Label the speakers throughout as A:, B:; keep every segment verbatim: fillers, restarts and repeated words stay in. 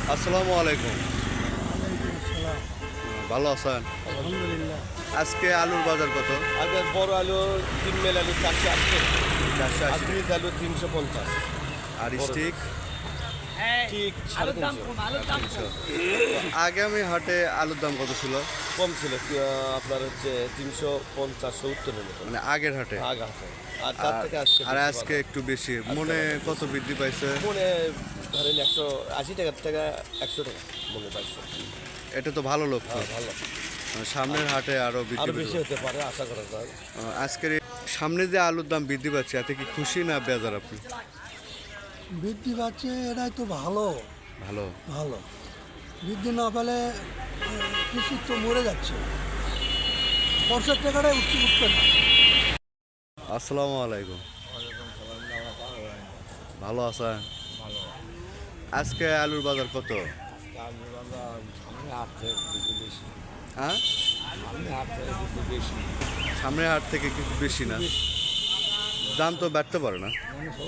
A: আসসালামু আলাইকুম।
B: আসসালাম।
A: ভালো আছেন?
B: আলহামদুলিল্লাহ।
A: আজকে আলুর বাজার কত?
C: আগে বড় আলু তিন মেল আলু চারশো আশি,
A: চারশো
C: আর
A: আশি।
C: গ্রিজ আলু তিনশো পঞ্চাশ,
A: আর স্টিক
C: ঠিক সাড়ে তিনশো।
A: তিনশো। আগামী হাটে আলুর দাম কত ছিল?
C: কম ছিল কি, আহ, আপনার হচ্ছে তিনশো পঞ্চাশ সত্তরের মতো
A: মানে আগের হাটে।
C: আগ আছে। আর তার
A: আর-
C: থেকে আজকে
A: আর
C: বেশি
A: আজকে
C: বাড়া।
A: একটু বেশি। মনে কত বৃদ্ধি পাইছে?
C: মনে ধরেন একশো আশি টাকার থেকে একশো টাকা মনে পাইছে।
A: এটা তো ভালো লক্ষ্য।
C: হ্যাঁ, ভালো।
A: সামনের হাটে আরো বৃদ্ধি
C: আরো
A: পাবে।
C: বেশি হতে পারে আশা করা যায়।
A: আহ, আজকের এই সামনে যে আলুর দাম বৃদ্ধি পাচ্ছে এতে কি খুশি না বেজার আপনি?
B: বৃদ্ধি পাচ্ছে, এটাই তো ভালো
A: ভালো।
B: ভালো বৃদ্ধি না পেলে কৃষি তো মরে যাচ্ছে, বর্ষার টাকাটাই উঠতে উঠবে না।
A: আসসালামু আলাইকুম। ভালো আছেন? আজকে আলুর বাজার কত? হ্যাঁ, সামনের হাট থেকে কিছু বেশি না? দাম তো বাড়তে পারে না?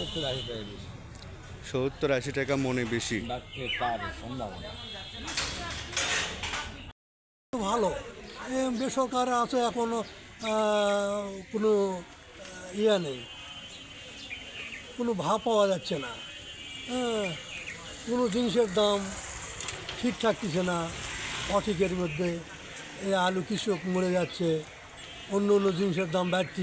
A: সত্তর আশি টাকা মনে বেশি।
B: ভালো এ বেসরকার আছে, এখনো আহ, কোনো আহ, ইয়ে নেই, কোনো ভাব পাওয়া যাচ্ছে না। হ্যাঁ, কোনো জিনিসের দাম ঠিক থাকতেছে না, অঠিকের মধ্যে এই আলু কৃষক মরে যাচ্ছে, অন্য অন্য জিনিসের দাম বাড়তি।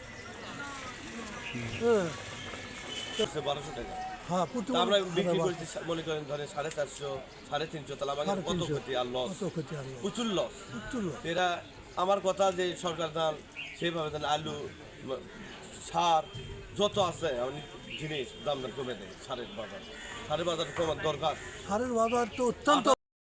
B: হ্যাঁ
C: বারোশো টাকা
B: হ্যাঁ প্রচুর
C: তা আমরা বিক্রি
B: হারে
C: করতে মনে করেন ধরেন সাড়ে চারশো সাড়ে তিনশো, তাহলে আমাদের
B: সাড়ে
C: কত
B: তিনশো,
C: ক্ষতি আর লস,
B: কত ক্ষতি আর loss।
C: প্রচুর লস।
B: প্রচুর loss।
C: এরা আমার কথা যে সরকার দান সেইভাবে দেন, আলু ম- সার যত আছে অনেক জিনিস দাম দাম কমে দেয়। সারের বাজার সারের বাজার কমার দরকার।
B: সারের বাজার তো অত্যন্ত।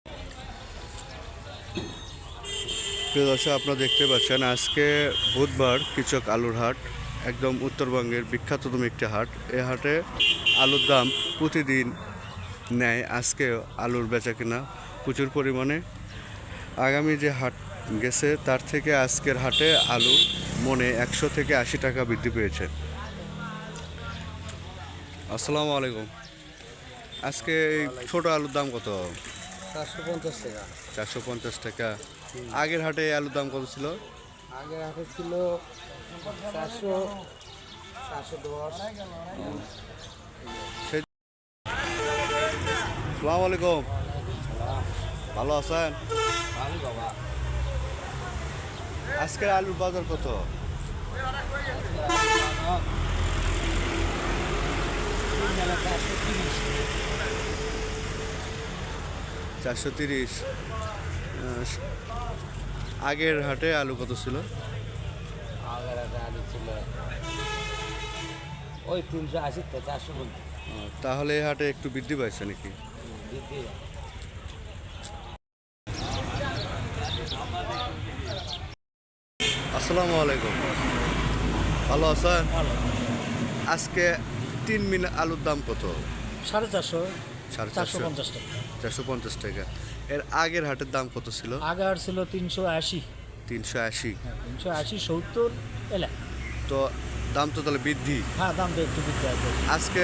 A: প্রিয় দর্শক, আপনারা দেখতে পাচ্ছেন আজকে বুধবার কৃষক আলুর হাট, একদম উত্তরবঙ্গের বিখ্যাততম একটি হাট। এই হাটে আলুর দাম প্রতিদিন নেয়। আজকে আলুর বেচা কিনা প্রচুর পরিমাণে। আগামী যে হাট গেছে তার থেকে আজকের হাটে আলু মনে একশো থেকে আশি টাকা বৃদ্ধি পেয়েছে। আসসালামু আলাইকুম। আজকে এই ছোট আলুর দাম কত?
B: চারশো পঞ্চাশ টাকা।
A: চারশো পঞ্চাশ টাকা। আগের হাটে এই আলুর দাম কত ছিল?
B: আগের হাটে ছিল চারশো চারশো দশ।
A: আসসালামু আলাইকুম। ভালো আছেন? আজকের আলুর বাজার কত? চারশো তিরিশ। আগের হাটে আলু কত ছিল?
D: আগের একটা আলু ছিল ওই তিনশো আশি থেকে চারশো পঞ্চাশ।
A: আহ, তাহলে এই হাটে একটু বৃদ্ধি পাইছে নাকি?
D: বৃদ্ধি
A: আসসালামু আলাইকুম। ভালো আছেন? আজকে তিন মিন আলুর দাম কত?
B: সাড়ে চারশো
A: সাড়ে
B: চারশো
A: চারশো
B: পঞ্চাশ টাকা।
A: চারশো পঞ্চাশ টাকা। এর আগের হাটের দাম কত ছিল?
B: আগে আর ছিল তিনশো আশি।
A: তিনশো আশি।
B: তিনশো আশি সত্তর এলা।
A: তো দাম তো তাহলে বৃদ্ধি।
B: হ্যাঁ দাম তো একটু বৃদ্ধি আছে।
A: আজকে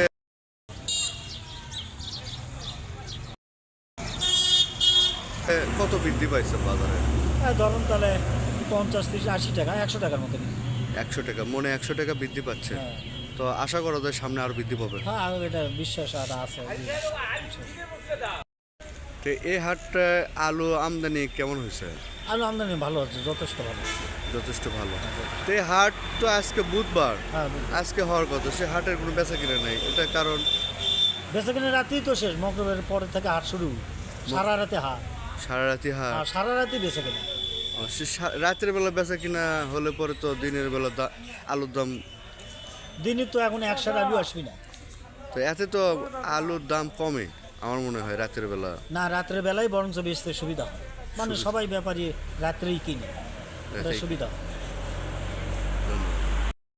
A: এ, কত বৃদ্ধি পাইছে বাজারে?
B: হ্যাঁ ধরুন তাহলে পঞ্চাশ তিরিশ আশি টাকা একশো টাকার মতো।
A: একশো টাকা মনে একশো টাকা বৃদ্ধি পাচ্ছে।
B: হ্যাঁ
A: তো আশা করা যায় সামনে আরো বৃদ্ধি পাবে।
B: হ্যাঁ আর এটা বিশ্বাস আর আছে।
A: তো এই হাটটা আলু আমদানি কেমন হয়েছে?
B: আলু আমদানি ভালো আছে, যথেষ্ট ভালো।
A: যথেষ্ট ভালো। তো এই হাট তো আজকে বুধবার,
B: হ্যাঁ
A: আজকে হওয়ার কথা, সে হাটের কোনো বেচা কিনা নেই। এটা কারণ
B: বেচাকেনা রাতেই তো শেষ, মকরবের পরে থেকে হাট শুরু, সারা রাতে হাট।
A: সারা রাতি হাট।
B: আর সারা রাতে বেচাকেনা।
A: ও, সে সা- রাতের বেলা বেচা কিনা হলে পরে তো দিনের বেলা দা- আলুর দাম।
B: দিনই তো এখন একশো আলু আসবি না।
A: তো এতে তো আলুর দাম কমে আমার মনে হয় রাতের বেলা।
B: না রাত্রের বেলায় বরঞ্চ বেচতে সুবিধা হয়, মানে সবাই ব্যাপারী রাত্রেই কিনে, এটা
A: রাতেই।
B: সুবিধা হয়।